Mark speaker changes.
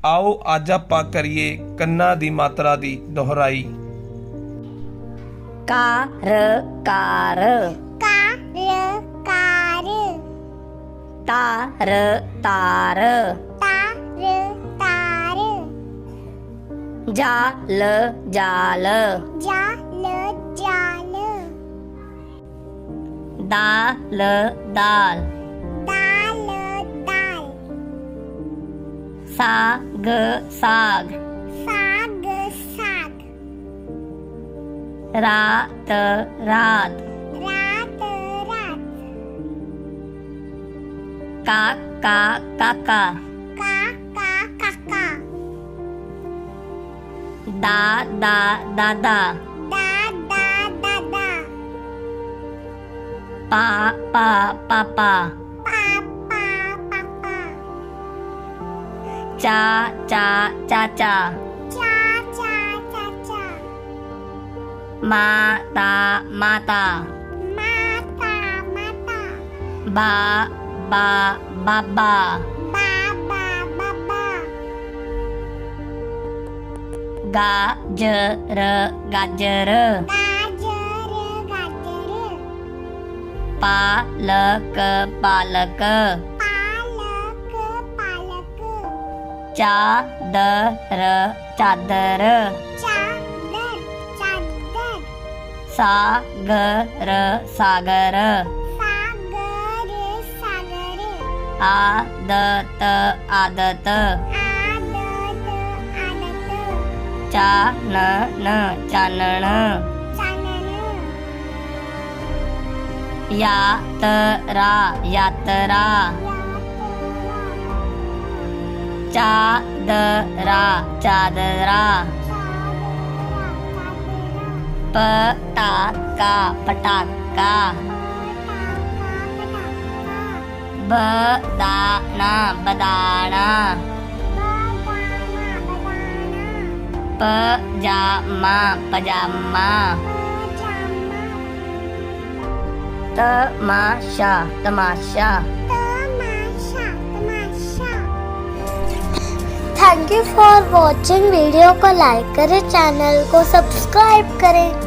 Speaker 1: आओ अज आपां करिए कन्ना दी मात्रा दी दोहराई।
Speaker 2: कार कार
Speaker 3: कार
Speaker 2: तार तार
Speaker 3: तार
Speaker 2: जाल जाल
Speaker 3: जाल
Speaker 2: दाल दाल
Speaker 3: दाल
Speaker 2: साग साग
Speaker 3: साग
Speaker 2: रात रात
Speaker 3: रात
Speaker 2: काका काका
Speaker 3: काका
Speaker 2: दादा दादा
Speaker 3: दादा
Speaker 2: पापा पापा
Speaker 3: पापा
Speaker 2: चाचा चाचा
Speaker 3: चाचा
Speaker 2: माता माता
Speaker 3: माता
Speaker 2: बाबा बाबा
Speaker 3: बाबा
Speaker 2: गाजर गाजर
Speaker 3: गाजर
Speaker 2: पालक पालक
Speaker 3: पालक
Speaker 2: चादर चादर
Speaker 3: चादर
Speaker 2: सागर सागर
Speaker 3: सागर
Speaker 2: आदत आदत चानन चानन यात्रा यात्रा चादरा चादरा पटाका पटाका बदाना बदाना पजामा पजामा तमाशा तमाशा।
Speaker 3: Thank you for watching. Video को लाइक करें, चैनल को सब्सक्राइब करें।